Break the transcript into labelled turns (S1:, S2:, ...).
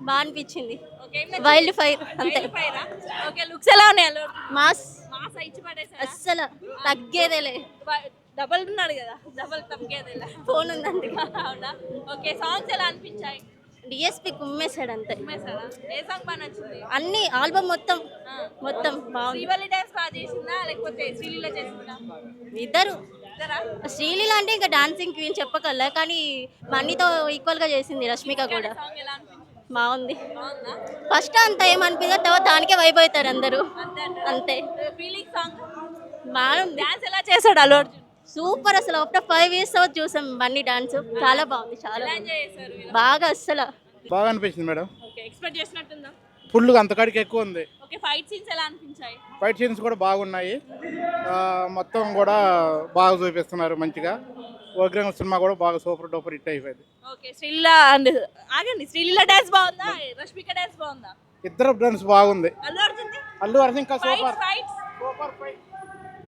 S1: బాగా అనిపించింది.
S2: Okay
S1: wild fire అంతే.
S2: ఓకే లుక్స్ ఎలా ఉన్నాయి అల్లు అర్జున్?
S1: మాస్
S2: మాసా ఇచ్చి పడేసారా?
S1: అస్సలు తగ్గేదేలే.
S2: డబల్ ఉన్నాడు కదా, డబల్ తగ్గేదేలా.
S1: ఫోన్ ఉందండి.
S2: అవునా? ఓకే సాంగ్స్ ఎలా అనిపించాయి?
S1: డిఎస్పి కుమ్మేశాడు అంతే.
S2: ఉమ్మేశారా? ఏ సాంగ్ బాగా నచ్చింది?
S1: అన్ని ఆల్బమ్ మొత్తం
S2: ఆ.
S1: మొత్తం బాగుంది.
S2: శ్రీవల్లి డాన్స్ బాగా చేసిందా లేకపోతే శ్రీలీల చేసిందా?
S1: ఇద్దరు.
S2: ఇద్దరా?
S1: శ్రీలీల అంటే ఇంకా డాన్సింగ్ క్వీన్ చెప్పగల, కానీ మనీతో ఈక్వల్ గా చేసింది రష్మిక కూడా.
S2: సాంగ్ ఎలా అనిపించింది?
S1: బాగుంది.
S2: బాగుందా?
S1: ఫస్ట్ అంత ఏమనిపించదు, తర్వాత దానికే వైబ్ అవుతారు అందరూ. అంతే.
S2: ఫీలింగ్ సాంగ్
S1: బాగుంది.
S2: డాన్స్ ఎలా చేశాడు అల్లు అర్జున్?
S1: సూపర్. అసలు ఆఫ్టర్ 5 years తర్వాత చూసాం బన్నీ డాన్స్. చాలా బాగుంది, చాలా
S2: ఎలా
S1: బాగుంది.
S2: ఎంజాయ్ చేశారు మీరు?
S1: బాగా అస్సలు
S3: బాగా అనిపించింది మేడం.
S2: Okay expect చేసినట్టుందా?
S3: ఫుల్గా అంతకాడికి ఎక్కువ ఉంది.
S2: ఓకే ఫైట్ సీన్స్ ఎలా అనిపించాయి?
S3: ఫైట్ సీన్స్ కూడా బాగున్నాయి. మొత్తం కూడా బాగా చూపిస్తున్నారు మంచిగా. ఓగ్రంగ సినిమా కూడా బాగా సూపర్ డూపర్ హిట్ అయిపోయింది.
S2: ఓకే శ్రీలీల అండ్ ఆగండి, శ్రీలీల డాన్స్ బాగుందా రష్మిక డాన్స్ బాగుందా?
S3: ఇద్దరు డాన్స్ బాగుంది.
S2: అల్లు అర్జున్
S3: అల్లు అర్జున్ ఇంకా
S2: fight
S3: super
S2: fights
S3: super fight.